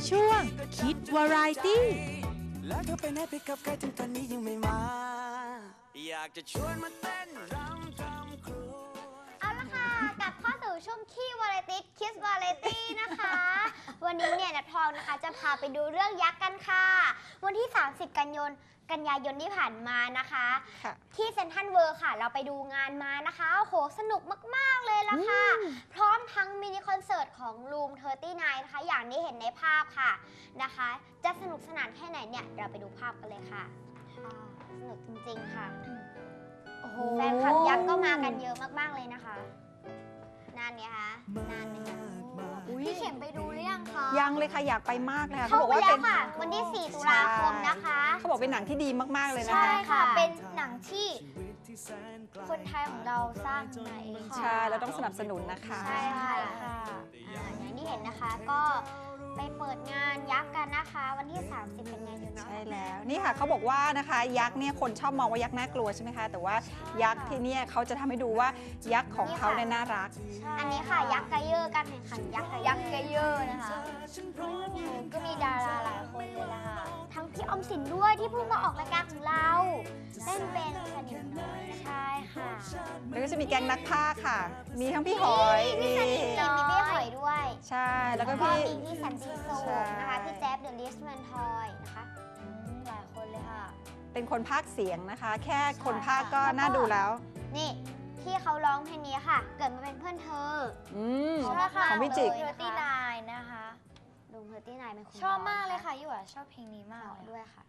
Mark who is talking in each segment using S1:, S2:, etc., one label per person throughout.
S1: ช่วงคิดวาไรตี้
S2: แล้วเธอไปไหนไปกับใครถึงตอนนี้ยังไม่มา อยากจะชวนมาเต้นรำทำครัว
S3: เอาละค่ะกลับเข้าสู่ช่วงขี้วาไรตี้คิสวาไรตี้นะคะ วันนี้เนี่ยนัททองนะคะจะพาไปดูเรื่องยักษ์กันค่ะวันที่ 30 กันยายนที่ผ่านมานะคะที่เซ็นทรัลเวิลด์ค่ะเราไปดูงานมานะคะโอ้โหสนุกมากๆเลยละค่ะพร้อมทั้งมินิคอนเสิร์ตของลูม39นะคะอย่างที่เห็นในภาพค่ะนะคะจะสนุกสนานแค่ไหนเนี่ยเราไปดูภาพกันเลยค่ะสนุกจริงๆค่ะแฟนคลับยักษ์ก็มากันเยอะมากๆเลยนะคะนานเนี่ยคะนานไหมคะพี่เข็มไปดูหรือยังคะ
S4: ยังเลยค่ะอยากไปมากเลยค่ะ
S3: เขาบอกว่าเป็นวันที่ 4 ตุลาคมนะคะ
S4: เขาบอกเป็นหนังที่ดีมากๆเลยนะคะ
S3: ใช่ค่ะเป็นหนังที่คนไทยของเราสร้างมาเอง
S4: ใช่เราต้องสนับสนุนนะคะ
S3: ใช่ค่ะอย่างที่เห็นนะคะก็ไปเปิดงานยักษ์กันนะคะวันที่ 30 กันยายน
S4: ใช่แล้วนี่ค่ะเขาบอกว่านะคะยักษ์เนี่ยคนชอบมองว่ายักษ์น่ากลัวใช่ไหมคะแต่ว่ายักษ์ที่นี่เขาจะทำให้ดูว่ายักษ์ของเขาเนี่ยน่ารัก
S3: อันนี้ค่ะยักษ์ไกเยอร์การแข่งขันยักษ์ไกเยอร์นะคะก็มีดาราหลายคนเลยล่ะค่ะทั้งพี่ออมสินด้วยที่เพิ่งมาออกรายการของเราเล่นเป็นสนิมน้อยใช่ค่ะ
S4: แล้วก็จะมีแก๊งนักพากย์ค่ะมีทั้งพี่หอย
S3: มีพี่หอยด้วย
S4: ใช่แล้วก็
S3: พี่สันติสุขนะคะพี่แจ๊บเดอะลิสแมนทอยนะคะหลายคนเลยค่ะ
S4: เป็นคนพากย์เสียงนะคะแค่คนพากย์ก็น่าดูแล้ว
S3: นี่ที่เขาร้องเพลงนี้ค่ะเกิดมาเป็นเพื่อนเธอ
S4: ของพี่จิก
S3: 39นะคะดู39เป็นคน
S5: ชอบมากเลยค่ะยี่หว่าชอบเพลงนี้มาก
S3: ด้วยค่ะ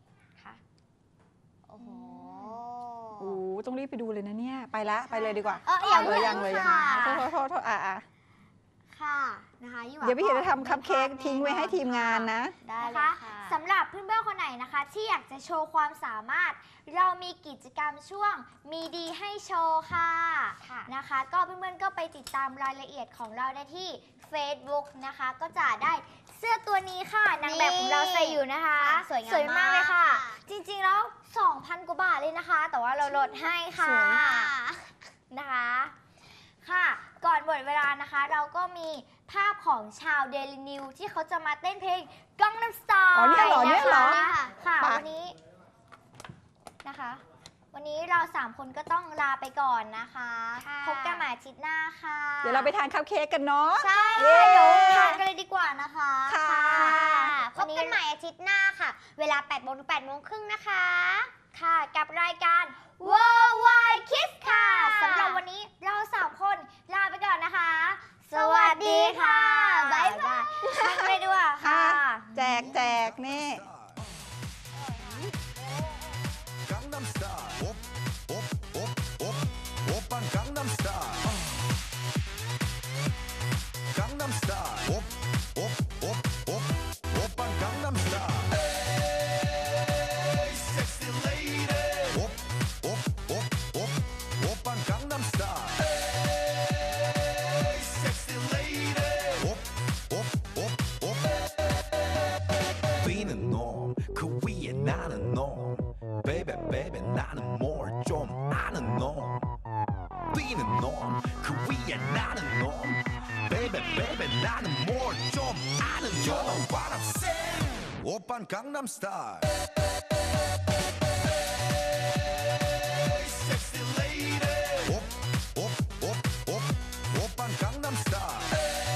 S3: โอ้โห
S4: ต้องรีบไปดูเลยนะเนี่ยไปเลยดีกว่า
S3: ยังเลย
S4: โทษ
S3: ค่ะนะคะ
S4: เดี๋ยวพี่เห็นจะทำคัพเค้กทิ้งไว้ให้ทีมงานนะ
S3: ได้เลยค่ะสำหรับเพื่อนๆคนไหนนะคะที่อยากจะโชว์ความสามารถเรามีกิจกรรมช่วงมีดีให้โชว์ค่ะนะคะก็เพื่อนๆก็ไปติดตามรายละเอียดของเราได้ที่ Facebook นะคะก็จะได้เสื้อตัวนี้ค่ะนางแบบของเราใส่อยู่นะคะสวยมากเลยค่ะจริงๆแล้ว 2,000 กว่าบาทเลยนะคะแต่ว่าเราลดให้ค่ะนะคะค่ะก่อนหมดเวลานะคะเราก็มีภาพของชาวเดลินิวที่เขาจะมาเต้นเพลงกังนัมสไตล์
S4: เนี่ยเหรอ
S3: ค่ะวันนี้นะคะวันนี้เรา3คนก็ต้องลาไปก่อนนะคะพบกันใหม่อาทิตย์หน้าค่ะ
S4: เดี๋ยวเราไปทานคัพเค้กกันเนาะ
S3: ใช่เดี๋ยวทานกันเลยดีกว่านะคะพบกันใหม่อาทิตย์หน้าค่ะเวลา 8 โมงถึง 8 โมงครึ่งนะคะค่ะกับรายการ Worldwide Kids ค่ะสำหรับวันนี้เรา3คนลาไปก่อนนะคะสวัสดีค่ะบ๊ายบายไปด้วยค่ะ
S4: แจกนี่
S2: 오빤 강남스타일 섹시 레이디 오빤 강남스타일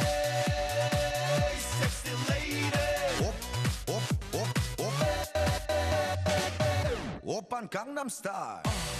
S2: 섹시 레이디 오빤 강남스타일